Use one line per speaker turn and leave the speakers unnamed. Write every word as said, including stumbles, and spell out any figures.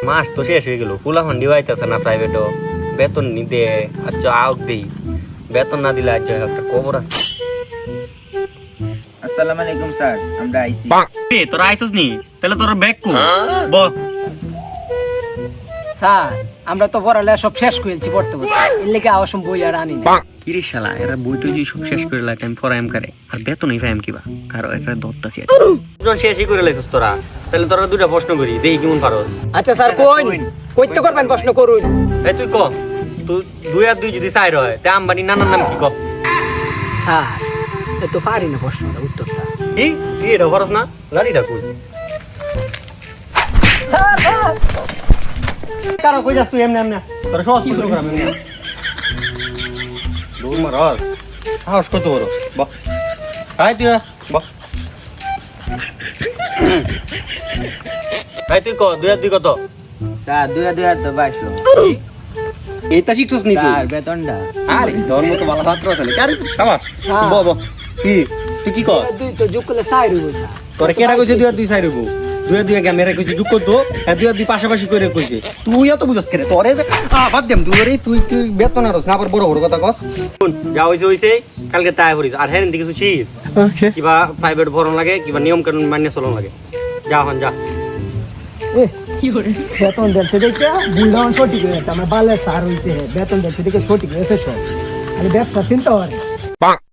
মাস তো শেষ হয়ে গেল, ফুলা ফান্ডি পাইতেছে না প্রাইভেটও, বেতন নিতে আচ্ছা আউট দেই, বেতন না দিলে আজ একটা খবর আছে।
আসসালামু আলাইকুম স্যার, আমরা আইছি।
এ তোরা আইছস নি, তাহলে তোর ব্যাগ কো ব
স্যার আমরা তো পড়ালেখা সব শেষ করেছি পড়তে পড়তে, এর লেগে আওয়াজ বই আর আনি না।
কিরে শালা, এরা বইটা যে সব শেষ করে লাগে আমি পড়াইম করে আর বেতনই পাইম কিবা, কারো একটা দত্তাছি যখন শেষই করে লাইছস তোরা, তাহলে তোরা দুটা প্রশ্ন করি দেই কেমন পারস।
আচ্ছা স্যার কইন কইতে করবেন প্রশ্ন করুন।
এই তুই ক, তুই দুই আর দুই যদি চার হয় তে আম্বানি নানার নাম কি ক?
স্যার এ তো পারি না প্রশ্নটা উত্তরটা।
কি তুই এটা পারস না? গাড়িটা কই
স্যার স্যার
কারো কই যাস তুই এমনি এমনি, তোরা সহজ প্রশ্ন করাম এমনি দৌড় মার সাহস কত বড় বাহ। আয় তুই বাহ, আয় তুই ক দুই আর দুই কত?
স্যার দুই দুই আর তো বাইশ।
এইটা শিখছস নি তুই?
স্যার বেতনটা
আরে তোর মতো ভালো ছাত্র আছে নাকি? আরে সাবাস ব ব কি তুই কি কর?
দুই তো যোগ করলে চার হইব স্যার।
তোরে কেডা কইছে দুই আর দুই চাই রইব? দুই আর দুই ক্যামেরা কইছে যুগ করতো, আর দুই আর দুই পাশাপাশি করে কইছে। তুই এত বুঝাস কেন? তোরে আ বাদ দেম তুই রে, তুই তুই বেতন আরস না, আবার বড় বড় কথা কস। শুন যা হইছে হইছে, কালকে তাই করিস। আর হ্যাঁ কিছু শিস কিবা প্রাইভেট ভরণ লাগে, কিবা নিয়ম কানুন মানিয়ে চলন লাগে। যা হন যা।
এ কি করে বেতন দিচ্ছে দেখে বুলডাউন সঠিক হয়েছে, আমার বালের স্যার হইছে বেতন দিচ্ছে দেখে সঠিক হয়েছে সব। আরে ব্যবসা চিন্তা করে